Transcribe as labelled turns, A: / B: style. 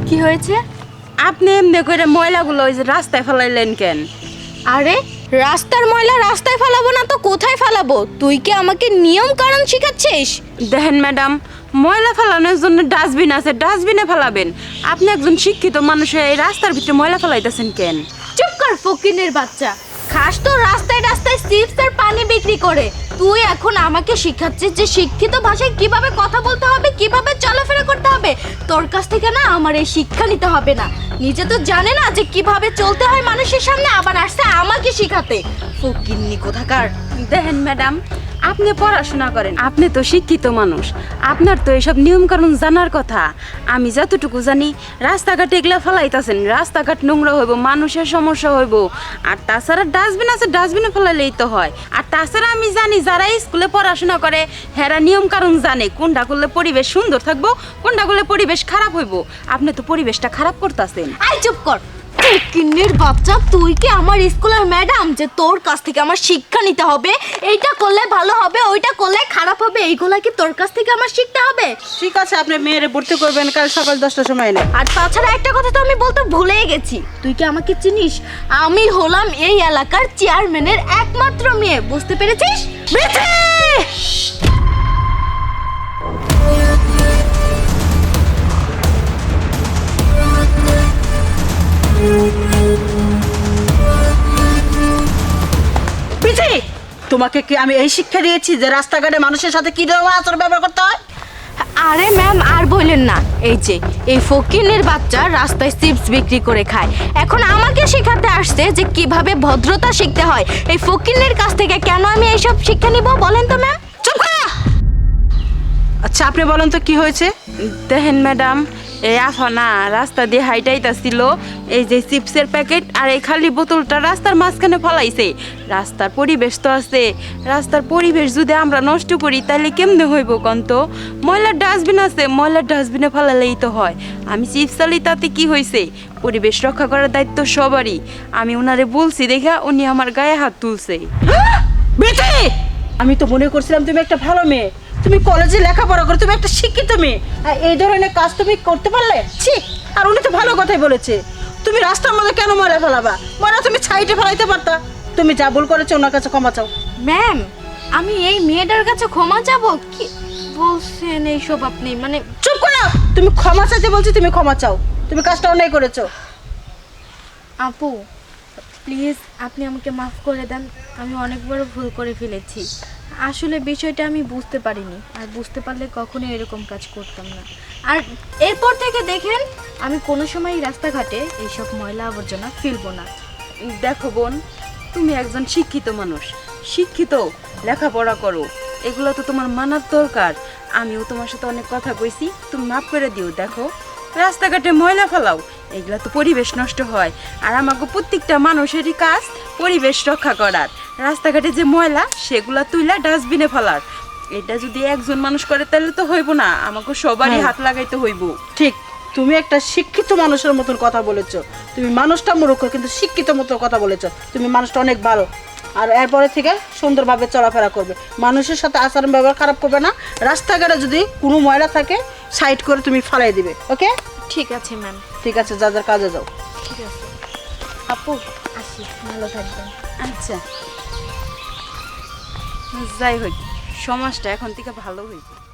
A: কি হয়েছে?
B: আপনি এমনি করে ময়লাগুলো ওই যে রাস্তায় ফেলাইলেন কেন?
A: আরে রাস্তার ময়লা রাস্তায় ফেলাবো না তো কোথায় ফেলাবো? তুই কি আমাকে নিয়ম কানুন শিখাচ্ছিস?
B: দেখেন ম্যাডাম, ময়লা ফেলানোর জন্য ডাস্টবিন আছে, ডাস্টবিনে ফেলাবেন। আপনি একজন শিক্ষিত মানুষ হয়ে এই রাস্তার ভিতরে ময়লা ফেলাইতেছেন কেন?
A: চুপ কর ফকিনের বাচ্চা। খাস তো রাস্তায় রাস্তায় চিপস আর পানি বিক্রি করে। তুই এখন আমাকে শিখাচ্ছিস যে শিক্ষিত ভাষায় কিভাবে কথা বলতে হবে, কিভাবে চলাফেরা করতে হবে। তোর কাছ থেকে না আমার এই শিক্ষা নিতে হবে না। নিজে তো জানে না যে কিভাবে চলতে হয় মানুষের সামনে, আবার আসছে আমাকে শিখাতে। ফকিন্নি কোথাকার।
B: দেখেন ম্যাডাম, আপনি পড়াশোনা করেন, আপনি তো শিক্ষিত মানুষ, আপনার তো এসব নিয়মকানুন জানার কথা। আমি যতটুকু জানি রাস্তাঘাটে এগুলা ফেলাইতেছেন, রাস্তাঘাট নোংরা হইব, মানুষের সমস্যা হইব। আর তাছাড়া ডাস্টবিন আছে, ডাস্টবিনে ফেলাইলেই তো হয়। আর তাছাড়া আমি জানি যারা স্কুলে পড়াশোনা করে হেরা নিয়মকানুন জানে, কোনটা করলে পরিবেশ সুন্দর থাকবো, কোনটা করলে পরিবেশ খারাপ হইব। আপনি তো পরিবেশটা খারাপ করতেছেন।
A: আই চুপ কর ফকিন্নির বাচ্চা। তুই কি আমার স্কুলের ম্যাডাম যে তোর কাছ থেকে আমার শিক্ষা নিতে হবে? এইটা করলে ভালো হবে, ওইটা করলে খারাপ হবে, এইগুলা কি তোর কাছ থেকে আমার শিখতে হবে?
C: ঠিক আছে, আপনি মেয়েরে ভর্তি করবেন কাল সকাল 10টার সময় এনে।
A: আর তাছাড়া একটা কথা তো আমি বলতে ভুলেই গেছি। তুই কি আমাকে চিনিস? আমি হলাম এই এলাকার চেয়ারম্যানের একমাত্র মেয়ে, বুঝতে পেরেছিস?
C: পিছি, তোমাকে কি আমি এই শিক্ষা দিয়েছি যে রাস্তাঘাটে মানুষের সাথে কি ধরনের আচরণ ব্যবহার করতে হয়?
A: আরে ম্যাম আর বললেন না, এই যে এই ফকিনের বাচ্চা রাস্তায় চিপস বিক্রি করে খায়, এখন আমাকে শেখাতে আসছে যে কিভাবে ভদ্রতা শিখতে হয়। এই ফকিনের কাছ থেকে কেন আমি এইসব শিক্ষা নিব বলেন তো ম্যাম?
C: চুপ করো। আচ্ছা, আপনি বলেন তো কি হয়েছে?
B: দেখেন ম্যাডাম, এই আফানা রাস্তা দিয়ে হাইটাইতাছিল, এই যে চিপসের প্যাকেট আর এই খালি বোতলটা রাস্তার মাঝখানে ফলাইছে। রাস্তার পরিবেশ তো আছে, রাস্তার পরিবেশ যদি আমরা নষ্ট করি তাহলে কেমনে হইব কন্ত? ময়লার ডাস্টবিন আছে, ময়লার ডাস্টবিনে ফেলালেই তো হয়। আমি চিপস চালি তাতে কি হয়েছে? পরিবেশ রক্ষা করার দায়িত্ব সবারই। আমি ওনারে বলছি দেখা উনি আমার গায়ে হাত তুলছে।
C: বেটি, আমি তো মনে করছিলাম তুমি একটা ভালো মেয়ে, তুমি কলেজে লেখাপড়া করো, তুমি একটা শিক্ষিত মেয়ে, আর এই ধরনের কাজ তুমি করতে পারলে? ছি। আর উনি তো ভালো কথাই বলেছে। তুমি রাস্তার মধ্যে কেন ময়লা ফেলাবা? ময়লা তুমি ছাইটে ফেলাইতে পারতা। তুমি যা ভুল করেছো ওনার কাছে ক্ষমা চাও।
A: ম্যাম, আমি এই মেয়েটার কাছে ক্ষমা যাব? কি বলছেন এইসব আপনি? মানে
C: চুপ করো। তুমি ক্ষমা চাইতে বলছি, তুমি ক্ষমা চাও। তুমি কাজটা অন্যায় করেছো।
A: আপু প্লিজ আপনি আমাকে মাফ করে দেন, আমি অনেক বড় ভুল করে ফেলেছি। আসলে বিষয়টা আমি বুঝতে পারিনি, আর বুঝতে পারলে কখনোই এরকম কাজ করতাম না। আর এরপর থেকে দেখেন আমি কোনো সময় রাস্তাঘাটে এইসব ময়লা আবর্জনা ফেলবো না।
B: দেখো বোন, তুমি একজন শিক্ষিত মানুষ, শিক্ষিত, লেখাপড়া করো, এগুলো তো তোমার মানার দরকার। আমিও তোমার সাথে অনেক কথা কইছি, তুমি মাফ করে দিও। দেখো রাস্তাঘাটে ময়লা ফেলাও, এগুলা তো পরিবেশ নষ্ট হয়। আর আমাকে প্রত্যেকটা মানুষেরই কাজ পরিবেশ রক্ষা করার। রাস্তাঘাটে যে ময়লা সেগুলা তুইলা ডাস্টবিনে ফেলার। এটা যদি একজন মানুষ করে তাহলে তো হইব না, আমাকে সবারই হাত লাগাইতে হইব।
C: ঠিক, তুমি একটা শিক্ষিত মানুষের মতন কথা বলেছো। তুমি মানুষটা মূর্খ কিন্তু শিক্ষিত মতো কথা বলেছো। তুমি মানুষটা অনেক ভালো। আর এরপরে থেকে সুন্দরভাবে চলাফেরা করবে, মানুষের সাথে আচরণ ব্যবহার খারাপ করবে না। রাস্তাঘাটে যদি কোনো ময়লা থাকে সাইড করে তুমি ফালাই দিবে। ওকে?
A: ঠিক আছে ম্যাম।
C: ঠিক আছে, যা যার কাজে যাও।
A: ঠিক আছে আপু, আসি, ভালো থাকবেন।
B: আচ্ছা, যাই হোক, সমাজটা এখন থেকে ভালো হইবে।